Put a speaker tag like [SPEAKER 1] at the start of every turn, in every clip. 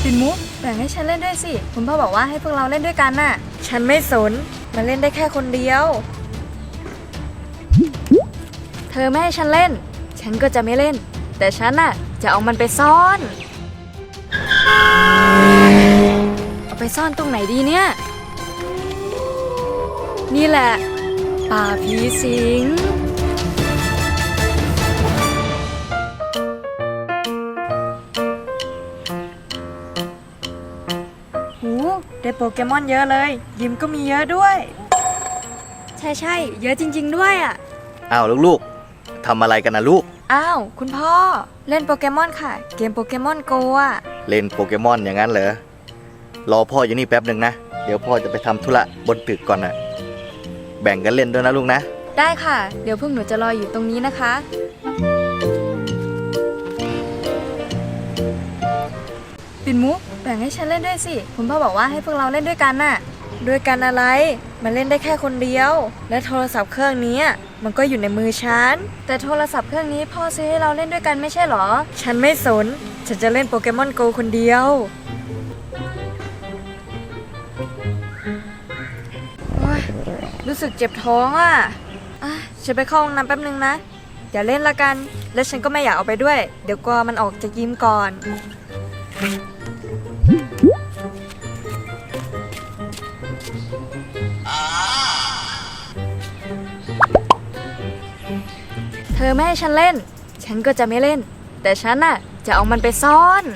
[SPEAKER 1] ปิ่นมุกแบ่งให้ฉันเล่นด้วยสิคุณพ่อบอกว่าให้พวกเราเล่นด้วยกันน่ะฉันไม่สนมาเล่นได้แค่คนเดียวเธอไม่ให้ฉันเล่นฉันก็จะไม่เล่นแต่ฉันน่ะจะเอามันไปซ่อนเอาไปซ่อนตรงไหนดีเนี่ยนี่แหละป่าผีสิงหูได้โปเกมอนเยอะเลยยิมก็มีเยอะด้วยใช่เยอะจริงๆด้วยอ่ะ
[SPEAKER 2] อ้าวลูกๆทำอะไรกันนะลูก
[SPEAKER 1] อ้าวคุณพ่อเล่นโปเกมอนค่ะเกมโปเกมอนโกอ่ะ
[SPEAKER 2] เล่นโปเกมอนอย่างนั้นเหรอรอพ่ออยู่นี่แป๊บหนึ่งนะเดี๋ยวพ่อจะไปทำธุระบนตึกก่อนนะแบ่งกันเล่นด้วยนะลูกนะ
[SPEAKER 1] ได้ค่ะเดี๋ยวพวกหนูจะรออยู่ตรงนี้นะคะปิ่นมุกแบ่งให้ฉันเล่นด้วยสิคุณพ่อบอกว่าให้พวกเราเล่นด้วยกันน่ะด้วยกันอะไรมันเล่นได้แค่คนเดียวและโทรศัพท์เครื่องนี้มันก็อยู่ในมือฉันแต่โทรศัพท์เครื่องนี้พ่อซื้อให้เราเล่นด้วยกันไม่ใช่หรอฉันไม่สนฉันจะเล่นโปเกมอนโกคนเดียวรู้สึกเจ็บท้องอ่ะฉันไปเข้าห้องน้ำแป๊บนึงนะอย่าเล่นละกันและฉันก็ไม่อยากเอาไปด้วยเดี๋ยวกลัวมันออกจากยิมก่อนเธอไม่ให้ฉันเล่นฉันก็จะไม่เล่นแต่ฉันน่ะจะเอามันไปซ่อน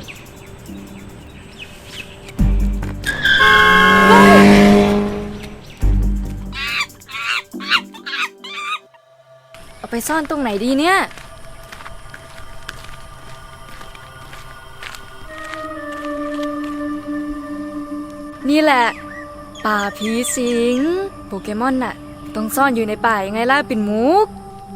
[SPEAKER 1] เอาไปซ่อนตรงไหนดีเนี่ยนี่แหละป่าผีสิงโปเกมอนน่ะต้องซ่อนอยู่ในป่ายังไงล่ะปิ่นมุก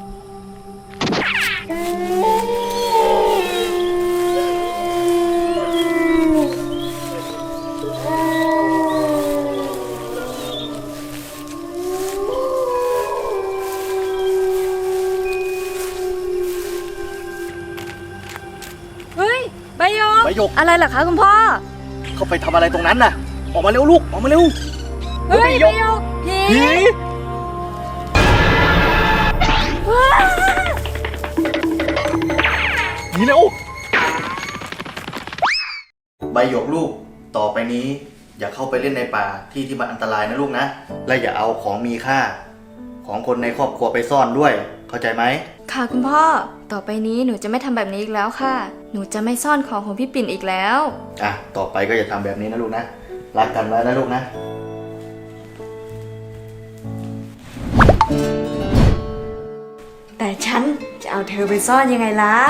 [SPEAKER 1] ใบหยกอะไรเหรอคะคุณพ่อ
[SPEAKER 2] เขาไปทำอะไรตรงนั้นน่ะออกมาเร็วลูกออกมาเร็ว
[SPEAKER 1] เฮ้ยใบหยกผี
[SPEAKER 2] หนีเร็วใบหยกลูกต่อไปนี้อย่าเข้าไปเล่นในป่าที่มันอันตรายนะลูกนะและอย่าเอาของมีค่าของคนในครอบครัวไปซ่อนด้วยเข้าใจไหม
[SPEAKER 1] ค่ะคุณพ่อต่อไปนี้หนูจะไม่ทำแบบนี้อีกแล้วค่ะหนูจะไม่ซ่อนของพี่ปิ่นอีกแล้ว
[SPEAKER 2] ต่อไปก็อย่าทำแบบนี้นะลูกนะรักกันไว้นะลูกนะ
[SPEAKER 1] แต่ฉันจะเอาเธอไปซ่อนยังไงล่ะ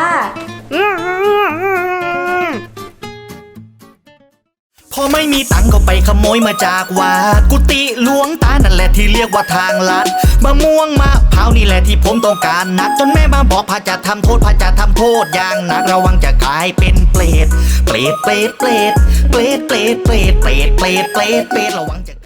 [SPEAKER 3] พอไม่มีตังก็ไปขโมยมาจากวัดกุฏิหลวงตานั่นแหละที่เรียกว่าทางลัดมะม่วงมะพร้าวนี่แหละที่ผมต้องการนักจนแม่มาบอกพระจะทำโทษพระจะทำโทษอย่างหนักระวังจะกลายเป็นเปรตระวังจะ